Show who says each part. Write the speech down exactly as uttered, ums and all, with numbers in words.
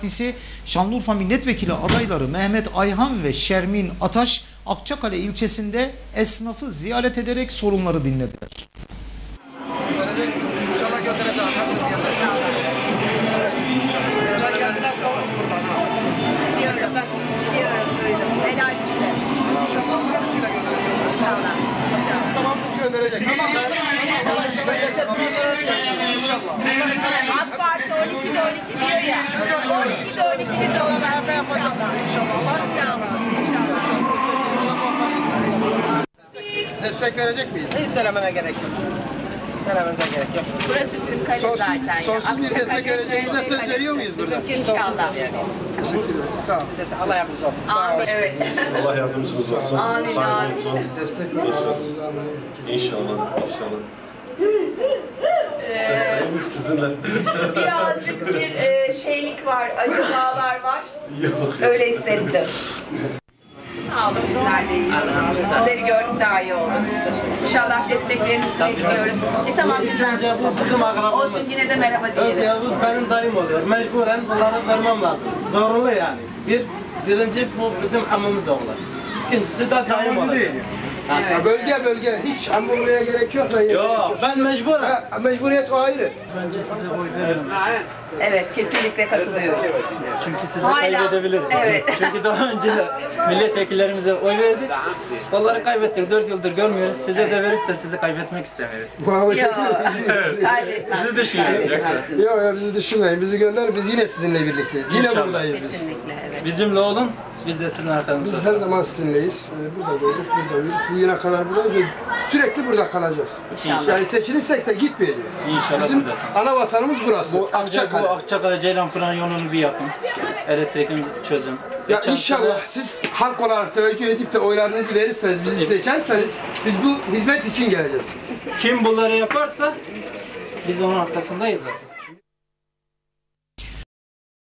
Speaker 1: Partisi Şanlıurfa Milletvekili adayları Mehmet Ayhan ve Şermin Ataş Akçakale ilçesinde esnafı ziyaret ederek sorunları dinlediler.
Speaker 2: İnşallah götüreceğiz. Geldiler kovduk buradan ha.
Speaker 3: Diyorum, diyorum, duydum. Helal size.
Speaker 2: İnşallah Allah'ın izniyle göndereceğiz.
Speaker 3: İnşallah. İnşallah.
Speaker 2: Tamam gönderecek. Tamam. İnşallah.
Speaker 3: AK Parti on ikide on iki diyor ya. on ikide on iki biz ona vermeye yapacağız.
Speaker 2: İnşallah.
Speaker 3: İnşallah.
Speaker 2: Destek verecek miyiz?
Speaker 4: Hiç söylememe gerek yok. Söylememize gerek yok.
Speaker 3: Burası Kırıkkale
Speaker 2: Sonsuz,
Speaker 3: zaten. ya.
Speaker 2: sonsuz bir destek
Speaker 3: Akçakale,
Speaker 2: vereceğimize söz
Speaker 3: Kırıkkale.
Speaker 2: veriyor muyuz burada?
Speaker 3: İnşallah.
Speaker 2: Teşekkür ederim. Sağ olun.
Speaker 4: Allah yardımcınız olsun.
Speaker 3: Amin. Evet.
Speaker 5: Allah yardımcınız olsun.
Speaker 3: Amin,
Speaker 5: Sağ
Speaker 3: amin.
Speaker 5: olsun.
Speaker 2: Destek verin.
Speaker 5: İnşallah, inşallah.
Speaker 3: Ee,
Speaker 5: Sizinle.
Speaker 3: birazcık bir e, şeylik var, acımalar var.
Speaker 5: Yok.
Speaker 3: Öyle hissettim. Sağ olun, sizler de iyi. Sizleri gördük daha iyi oldu. İnşallah desteklerinizi bekliyoruz. E tamam güzel.
Speaker 4: Önce bu bizim akrabamız.
Speaker 3: Olsun yine de merhaba
Speaker 4: Öz
Speaker 3: diyelim.
Speaker 4: Yavuz benim dayım oluyor. Mecburen bunları vermem lazım. Zorunlu yani. Bir, birinci bu bizim hamımız oğlar. İkincisi de dayım oluyor.
Speaker 2: Ha, bölge bölge hiç hamburger'e gerek yok da.
Speaker 4: Yok ben mecburen.
Speaker 2: Ha, mecburiyet o ayrı.
Speaker 4: Bence size oy veririm.
Speaker 3: Evet, kesinlikle katılıyorum.
Speaker 4: Çünkü sizi
Speaker 3: Hala,
Speaker 4: kaybedebiliriz.
Speaker 3: evet.
Speaker 4: Çünkü daha önce milletvekillerimize oy verdik. Onları kaybettik. Dört yıldır görmüyoruz. Size de verirsek sizi kaybetmek istemiyoruz.
Speaker 2: Bravo.
Speaker 3: Yok, kaybetmez.
Speaker 4: Sizi düşünüyorum.
Speaker 2: Yok yok bizi düşünmeyin. Bizi gönder. Biz yine sizinle birlikteyiz. Yine
Speaker 4: İnşallah.
Speaker 2: buradayız biz.
Speaker 3: Kesinlikle, evet.
Speaker 4: Bizimle olun. Biz de sizin arkanızda.
Speaker 2: Biz her zaman sizinleyiz. Ee, Burada doğduk, burada büyüdük. Bu yine kadar buradayız ve sürekli burada kalacağız.
Speaker 3: İnşallah.
Speaker 2: Yani seçilirsek de gitmeyeceğiz.
Speaker 4: İnşallah
Speaker 2: Bizim
Speaker 4: buradasın.
Speaker 2: ana vatanımız burası.
Speaker 4: Bu ancak bu
Speaker 2: Akçakale.
Speaker 4: Akçakale Ceylanpınar yolunu bir yapın. Elektriğimizi çözün.
Speaker 2: Ya
Speaker 4: Geçen
Speaker 2: inşallah
Speaker 4: sene-
Speaker 2: siz halk olarak teveccüh edip de oylarınızı verirseniz, bizi seçerseniz biz bu hizmet için geleceğiz.
Speaker 4: Kim bunları yaparsa biz onun arkasındayız zaten.